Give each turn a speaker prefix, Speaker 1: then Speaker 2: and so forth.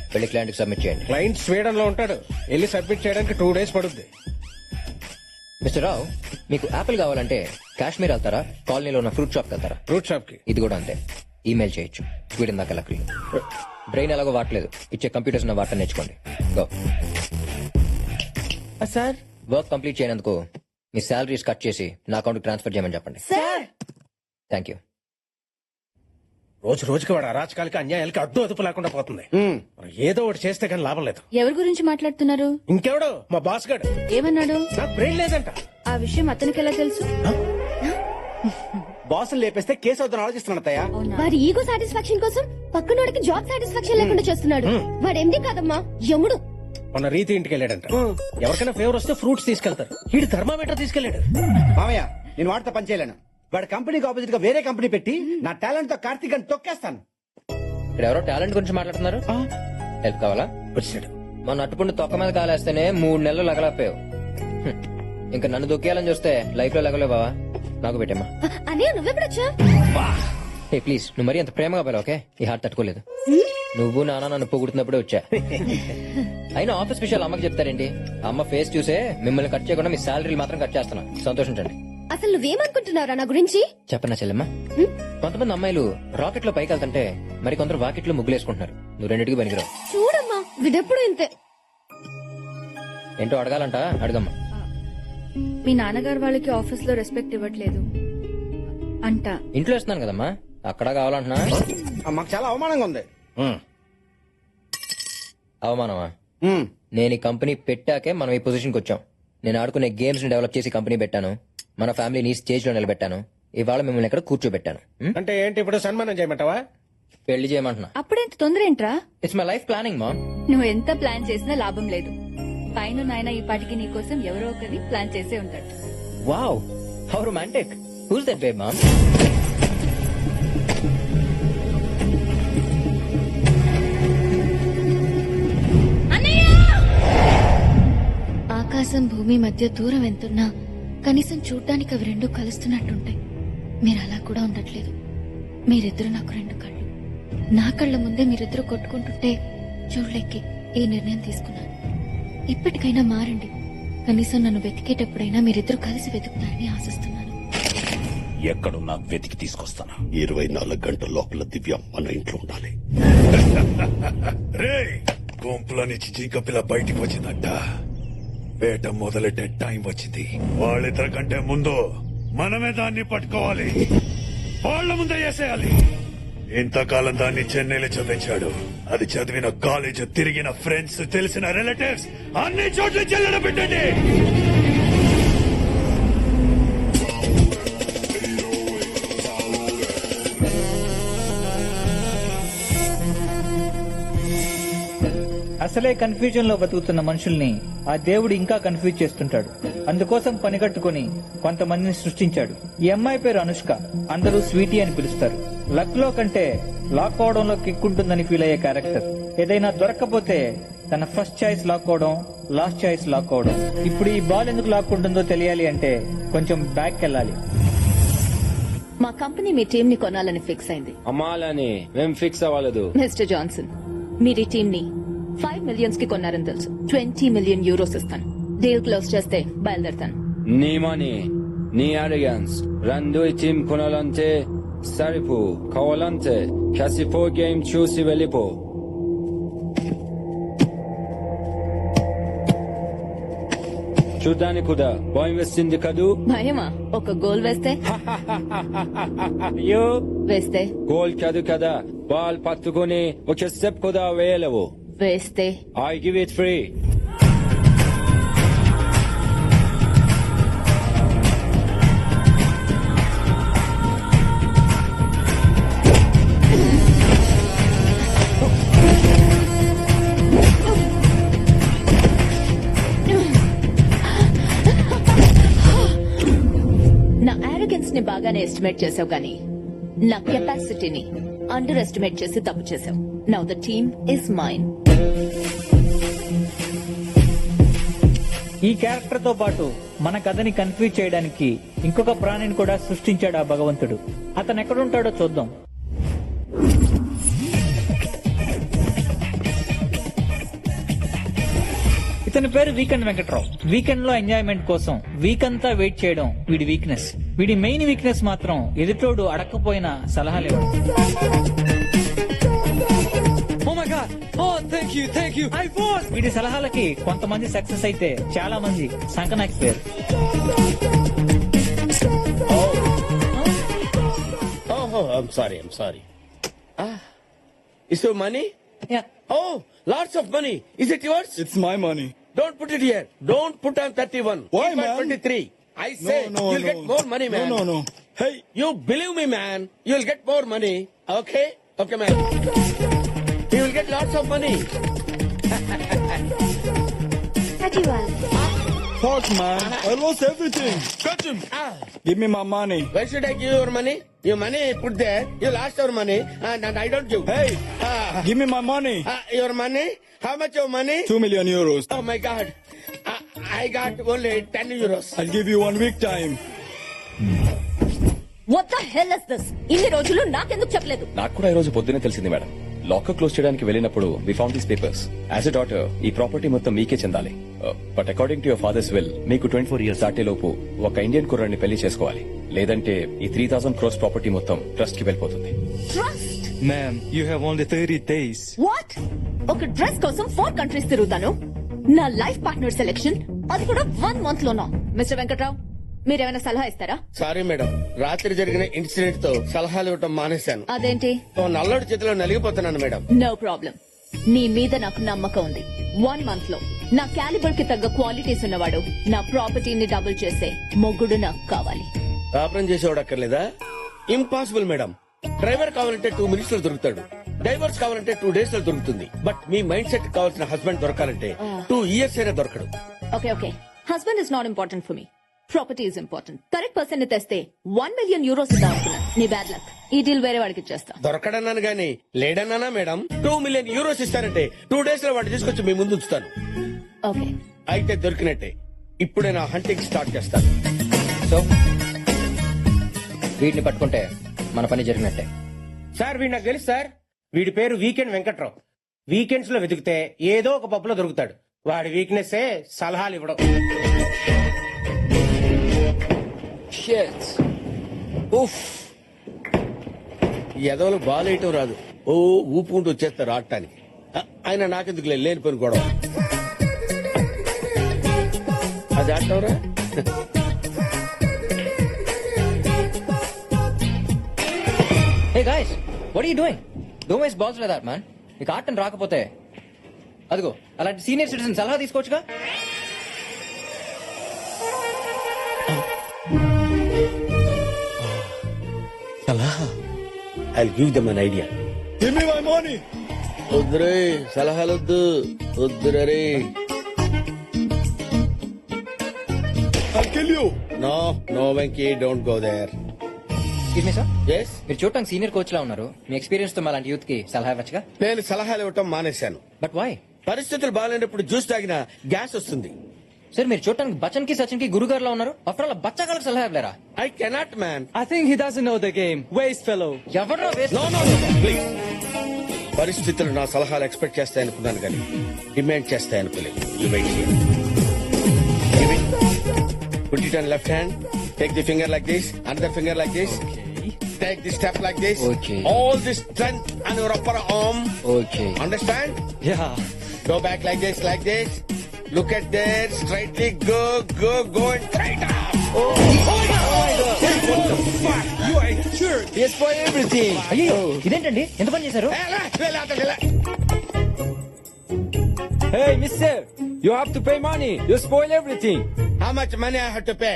Speaker 1: వెళ్ళి క్లయింట్ కి సబ్మిట్ చేయండి.
Speaker 2: క్లయింట్ స్వీడన్ లో ఉంటాడు, వెళ్ళి సబ్మిట్ చేయడానికి 2 days పడుద్ది.
Speaker 1: మిస్టర్ రావు, మీకు యాపిల్ కావాలంటే కాశ్మీర్ వెళ్తారా, కాలనీలో ఉన్న ఫ్రూట్ షాప్ వెళ్తారా?
Speaker 2: ఫ్రూట్ షాప్ కి.
Speaker 1: ఇది కూడా అంతే, ఈమెయిల్ చేయొచ్చు. స్వీడన్ దాకా లక్లీ. బ్రెయిన్ ఎలాగో వాడలేదు, ఇచ్చే కంప్యూటర్స్ ఉన్న వాటర్ నేర్చుకోండి. గో.
Speaker 3: సార్
Speaker 1: వర్క్ కంప్లీట్ చేయనందుకు మీ శాలరీస్ కట్ చేసి నా అకౌంట్ ట్రాన్స్ఫర్ చేయమని చెప్పండి. Thank you.
Speaker 2: రోజు రోజుకి వాడు అరాచకాలకి అన్యాయాలకి అడ్డు అదుపు లేకుండా పోతుంది. మనం ఏదో ఒకటి చేస్తే కానీ లాభం లేదు.
Speaker 4: ఎవరి గురించి మాట్లాడుతున్నారు?
Speaker 2: ఇంకెవడో మా బాస్ గాడు.
Speaker 4: ఏమన్నాడు?
Speaker 2: నాకు బ్రెయిన్ లేదంట.
Speaker 4: ఆ విషయం అతనికి ఎలా తెలుసు?
Speaker 3: బాసులు లేపేస్తే కేసు అవుతాను ఆలోచిస్తున్నాడు అత్తయ్య.
Speaker 5: వాడి ఈగో సాటిస్ఫాక్షన్ కోసం పక్కనోడికి జాబ్ సాటిస్ఫాక్షన్ లేకుండా చేస్తున్నాడు. వాడు ఎండి కాదమ్మా, యముడు.
Speaker 2: మొన్న రీతి ఇంటికి వెళ్ళాడంట. ఎవరికైనా ఫేవర్ వస్తే ఫ్రూట్స్ తీసుకెళ్తారు, వీడు థర్మామీటర్ తీసుకెళ్లాడు.
Speaker 3: మామయ్య నేను వాడితో పని చేయలేను. వాడి కంపెనీకి ఆపోజిట్ గా వేరే కంపెనీ పెట్టి నా టాలెంట్ తో కార్తీక్ అని తొక్కేస్తాను.
Speaker 1: ఇక్కడ ఎవరో టాలెంట్ గురించి మాట్లాడుతున్నారు. హెల్ప్ కావాలా?
Speaker 2: వచ్చాడు.
Speaker 1: మన అట్టుపుండి తొక్క మీద కాలేస్తేనే 3 నెలలు లగలపోయావు. ఇంకా నన్ను దొక్కేయాలని చూస్తే లైఫ్ లో లగలే బావా. నాకు పెట్టమ్మా.
Speaker 5: అనే నువ్వెప్పుడొచ్చా?
Speaker 1: ఏ ప్లీజ్, నువ్వు మరీ అంత ప్రేమగా పోయావు. ఓకే, ఈ హార్ట్ తట్టుకోలేదు. నువ్వు నాన్న నన్ను పొగుడుతున్నప్పుడే వచ్చా. అయినా ఆఫీస్ విషయాలు అమ్మకి చెప్తారేంటి? అమ్మ ఫేస్ చూసే మిమ్మల్ని కట్ చేయకుండా మీ శాలరీలు మాత్రం కట్ చేస్తున్నా. సంతోషించండి.
Speaker 5: అసలు నువ్వేమనుకుంటున్నారా నా గురించి?
Speaker 1: చెప్పనా చెల్లెమ్మా, కొంతమంది అమ్మాయిలు రాకెట్ లో పైకి వెళ్తుంటే మరి కొందరు వాకెట్ లో ముగ్గులేసుకుంటున్నారు. నువ్వు రెండింటికి పనికిరావు.
Speaker 5: చూడమ్మా, వీడెప్పుడు ఇంతే.
Speaker 1: ఏంటో అడగాలంట, అడగమ్మా.
Speaker 4: మీ నాన్నగారు వాళ్ళకి ఆఫీస్ లో రెస్పెక్ట్ ఇవ్వట్లేదు అంట.
Speaker 1: ఇంట్లో ఇస్తున్నాను కదమ్మా, అక్కడ కావాలంటున్నా.
Speaker 3: మాకు చాలా అవమానంగా ఉంది.
Speaker 1: అవమానమా? నేను ఈ కంపెనీ పెట్టాకే మనం ఈ పొజిషన్కి వచ్చాం. నేను ఆడుకునే గేమ్స్ ని డెవలప్ చేసి కంపెనీ పెట్టాను. మన ఫ్యామిలీని స్టేజ్ లో నిలబెట్టాను. ఇవాళ మిమ్మల్ని ఎక్కడ కూర్చోబెట్టాను.
Speaker 2: అంటే ఏంటి ఇప్పుడు సన్మానం చేయమంటావా?
Speaker 1: పెళ్లి చేయమంటున్నా.
Speaker 4: అప్పుడెంత తొందర ఏంట్రా?
Speaker 1: ఇట్స్ మై లైఫ్ ప్లానింగ్ మా.
Speaker 4: నువ్వు ఎంత ప్లాన్ చేసినా లాభం లేదు. పైన నాయన ఈ పాటికి నీ కోసం ఎవరో ఒకరిని ప్లాన్ చేసే ఉంటాడు.
Speaker 1: Wow, how romantic. Who's that babe mom?
Speaker 5: ఆకాశం భూమి మధ్య దూరం ఎంతున్నా కనీసం చూడ్డానికి అవి రెండు కలుస్తున్నట్టుంటాయి. మీరు అలా కూడా ఉండట్లేదు. మీరిద్దరు నాకు 2 కళ్ళు. నా కళ్ళ ముందే మీరిద్దరు కొట్టుకుంటుంటే చూడలేకే ఈ నిర్ణయం తీసుకున్నాను. ఇప్పటికైనా మారండి. కనీసం నన్ను వెతికేటప్పుడైనా మీరిద్దరు కలిసి వెతుకుతారని ఆశిస్తున్నాను.
Speaker 6: ఎక్కడున్నా వెతికి తీసుకొస్తాను.
Speaker 7: 24 గంటల లోపల దివ్య మన ఇంట్లో ఉండాలి.
Speaker 6: రే గుంపులో నుంచి జింక పిల్ల బయటికి వచ్చిందంట. వేట మొదలెట్టే టైం వచ్చింది. వాళ్ళిద్దరి కంటే ముందు మనమే దాన్ని పట్టుకోవాలి. వాళ్ళ ముందే వేసేయాలి. ఇంతకాలం దాన్ని చెన్నైలో చదివించాడు. అది చదివిన కాలేజ్, తిరిగిన ఫ్రెండ్స్, తెలిసిన రిలేటివ్స్ అన్ని చోట్ల చెల్లెడ పెట్టండి.
Speaker 8: అసలే కన్ఫ్యూజన్ లో బతుకుతున్న మనుషుల్ని ఆ దేవుడు ఇంకా కన్ఫ్యూజ్ చేస్తుంటాడు. అందుకోసం పనిగట్టుకుని కొంతమందిని సృష్టించాడు. ఈ అమ్మాయి పేరు అనుష్క. అందరూ స్వీటీ అని పిలుస్తారు. లక్ లో కంటే లాక్ అవడంలో కిక్ ఉంటుందని ఫీల్ అయ్యే క్యారెక్టర్. ఏదైనా దొరక్కపోతే తన ఫస్ట్ చాయిస్ లాక్ అవడం, లాస్ట్ చాయిస్ లాక్ అవడం. ఇప్పుడు ఈ బాల్ ఎందుకు లాక్కుంటుందో తెలియాలి అంటే కొంచెం బ్యాక్ వెళ్ళాలి.
Speaker 9: మా కంపెనీ మీ టీం ని కొనాలని ఫిక్స్ అయింది.
Speaker 10: అమ్మాలని మేం ఫిక్స్ అవ్వలేదు.
Speaker 9: మిస్టర్ జాన్సన్, మీరు ఈ టీం ని 5 million కి కొన్నారని తెలుసు. 20 million euros ఇస్తాను. డీల్ క్లోజ్ చేస్తే బయలుదేరుతాను.
Speaker 10: నీ మనీ, నీ అరిగన్స్ రెండు ఈ టీం కొనాలంటే సరిపో. కావాలంటే కాసిపో గేమ్ చూసి వెళ్ళిపో. చూడ్డానికి కూడా భయం వేస్తుంది కదూ?
Speaker 9: భయమా? ఒక గోల్ వేస్తే?
Speaker 10: అయ్యో,
Speaker 9: వేస్తే
Speaker 10: గోల్ కాదు కదా, బాల్ పట్టుకుని ఒక స్టెప్ కూడా వేయలేవు.
Speaker 9: వేస్తే
Speaker 10: I give it free.
Speaker 9: నా ఆరోగెన్స్ ని బాగానే ఎస్టిమేట్ చేసావు కానీ నా కెపాసిటీని అండర్ ఎస్టిమేట్ చేసి తప్పు చేసావు. Now the team is mine.
Speaker 8: ఈ క్యారెక్టర్ తో పాటు మన కథని కన్ఫ్యూజ్ చేయడానికి ఇంకొక ప్రాణిని కూడా సృష్టించాడు ఆ భగవంతుడు. అతను ఎక్కడుంటాడో చూద్దాం. ఇతని పేరు వీకెండ్ వెంకట్రావు. వీకెండ్ లో ఎంజాయ్మెంట్ కోసం వీక్ అంతా వెయిట్ చేయడం వీడి వీక్నెస్. వీడి మెయిన్ వీక్నెస్ మాత్రం ఎదుటోడు అడక్కపోయిన సలహాలు ఇవ్వడం. వీడి సలహాలకి కొంతమంది సక్సెస్ అయితే చాలా మంది సంకనాకిపోయారు.
Speaker 11: Oh, I'm sorry. Is your money?
Speaker 8: Yeah.
Speaker 11: Oh, lots of money. Is it yours?
Speaker 12: It's my money.
Speaker 11: Don't put it here. Don't put on 31.
Speaker 12: Why,
Speaker 11: Keep on
Speaker 12: man?
Speaker 11: 23. I say you'll get more money, man.
Speaker 12: No. Hey,
Speaker 11: You believe me, man. You'll get more money. Okay? Okay, man. You will get lots of money.
Speaker 12: fuck, man. I lost everything. Catch him. Give me my money.
Speaker 11: Why should I give your money? Your money put there. You lost your money and I don't give.
Speaker 12: Hey,
Speaker 11: Ah.
Speaker 12: give me my money.
Speaker 11: Your money? How much your money?
Speaker 12: 2 million euros.
Speaker 11: Oh my God. I got only 10 euros.
Speaker 12: I'll give you 1 week time.
Speaker 9: What the hell is this? ఇన్ని రోజులు నాకెందుకు చెప్పలేదు?
Speaker 13: నాకు కూడా ఈ రోజు పొద్దునే తెలిసింది మేడం. లాకర్ క్లోజ్ చేయడానికి వెళ్ళినప్పుడు we found these papers. As a daughter ఈ ప్రాపర్టీ మొత్తం మీకే చెందాలి. But according to your father's will మీకు 24 ఇయర్స్ దాటే లోపు ఒక ఇండియన్ కుర్రాన్ని పెళ్లి చేసుకోవాలి. లేదంటే ఈ 3,000 crores ప్రాపర్టీ మొత్తం ట్రస్ట్ కి వెళ్ళిపోతుంది.
Speaker 9: Trust?
Speaker 12: Ma'am, you have only 30 days.
Speaker 9: What? ఒక డ్రెస్ కోసం 4 కంట్రీస్ తిరుగుతాను. నా లైఫ్ పార్ట్నర్ సెలెక్షన్ అది కూడా 1 month లోనా? మిస్టర్ వెంకట్రావు, మీరేమైనా సలహా ఇస్తారా?
Speaker 11: సారీ మేడం, రాత్రి జరిగిన ఇన్సిడెంట్ తో సలహాలు ఇవ్వటం మానేశాను.
Speaker 9: అదేంటి?
Speaker 11: ఓ నల్లడి చేతిలో నలిగిపోతున్నాను మేడం.
Speaker 9: No problem. నీ మీద నాకు నమ్మకం ఉంది. 1 month లో నా క్యాలిబర్ కి తగ్గ క్వాలిటీస్ ఉన్నవాడు, నా ప్రాపర్టీని డబుల్ చేసే మొగ్గుడు నాకు కావాలి.
Speaker 11: కాపురం చేసేవాడు అక్కర్లేదా? Impossible madam. డ్రైవర్ కావాలంటే 2 minutes లో దొరుకుతాడు. డైవర్స్ కావాలంటే 2 days లో దొరుకుతుంది. బట్ మీ మైండ్ సెట్ కావాల్సిన హస్బెండ్ దొరకాలంటే 2 years అయినా దొరకడు.
Speaker 9: Okay, husband is not important for me. Property is important. Correct person ని తెస్తే 1 million euros ఇద్దాం అనుకున్నా. నీ బ్యాడ్ లక్. ఈ డీల్ వేరే వాడికి ఇచ్చేస్తా.
Speaker 11: దొరకడన్నాను గానీ లేడన్నానా మేడం? 2 million euros ఇస్తానంటే 2 days లో వాడిని తీసుకొచ్చి మీ ముందు ఉంచుతాను.
Speaker 9: ఓకే,
Speaker 11: అయితే దొరికినట్టే. ఇప్పుడే నా హంటింగ్ స్టార్ట్ చేస్తాను.
Speaker 1: సో వీటిని పట్టుకుంటే మన పని జరిగినట్టే.
Speaker 2: సార్ వీడు నాకు తెలుసు సార్. వీడి పేరు వీకెండ్ వెంకట్రావు. వీకెండ్స్ లో వెతికితే ఏదో ఒక పప్పులో దొరుకుతాడు. వాడి వీక్నెస్ సలహాలు ఇవ్వడం.
Speaker 10: Shit.
Speaker 11: ఉఫ్, ఎదవలు బాలేయటం రాదు. ఓ ఊపుకుంటూ వచ్చేస్తారు ఆడటానికి. ఆయన నాకెందుకు లేని పని గొడవ. అది ఆడటంరా.
Speaker 1: Hey guys, what are you doing? Don't waste balls like that, man. నీకు ఆటం రాకపోతే అదిగో అలాంటి సీనియర్ సిటిజన్ సలహా తీసుకోవచ్చుగా.
Speaker 11: I'll give them an idea.
Speaker 12: Give me my money.
Speaker 11: వద్దురే సలహాలొద్దు, వద్దురే.
Speaker 12: I'll kill you.
Speaker 11: No, Venki, don't go there.
Speaker 1: Excuse me sir,
Speaker 11: Yes?
Speaker 1: మీరు చూడటానికి సీనియర్ కోచ్ లా ఉన్నారు. మీ ఎక్స్పీరియన్స్ తో అలాంటి యూత్ కి సలహా ఇవ్వచ్చుగా.
Speaker 11: నేను సలహాలు ఇవ్వటం మానేశాను.
Speaker 1: But why?
Speaker 11: పరిస్థితులు బాగాలేనప్పుడు జ్యూస్ తాగినా గ్యాస్ వస్తుంది.
Speaker 1: సార్ మీరు చూడటానికి బచ్చన్ కి సచిన్ కి గురుగారు లా ఉన్నారు. ఆఫ్టర్ ఆల్ బచ్చాగాళ్ళకి సలహా ఇవ్వలేరా?
Speaker 11: I cannot, man.
Speaker 8: I think he doesn't know the game. Waste fellow.
Speaker 1: ఎవరో
Speaker 11: No, please. పరిస్థితులు నా సలహాలు ఎక్స్పెక్ట్ చేస్తాయనుకున్నాను కానీ డిమాండ్ చేస్తాయనుకోలేదు. You wait here. Give it. Put it on left hand. Take the finger like this. Another finger like this. Take the step like this.
Speaker 1: Okay.
Speaker 11: All this strength on your upper arm.
Speaker 1: Okay.
Speaker 11: Understand?
Speaker 8: Yeah.
Speaker 11: Go back like this, like this. Look at there. Straightly go and straight up. Oh my God. What the fuck? You are a jerk. Yes, for everything.
Speaker 1: అయ్యో ఇదేంటండి ఎంత పని చేశారు?
Speaker 10: Hey, mister, you have to pay money. You spoil everything.
Speaker 11: How much money I have to pay?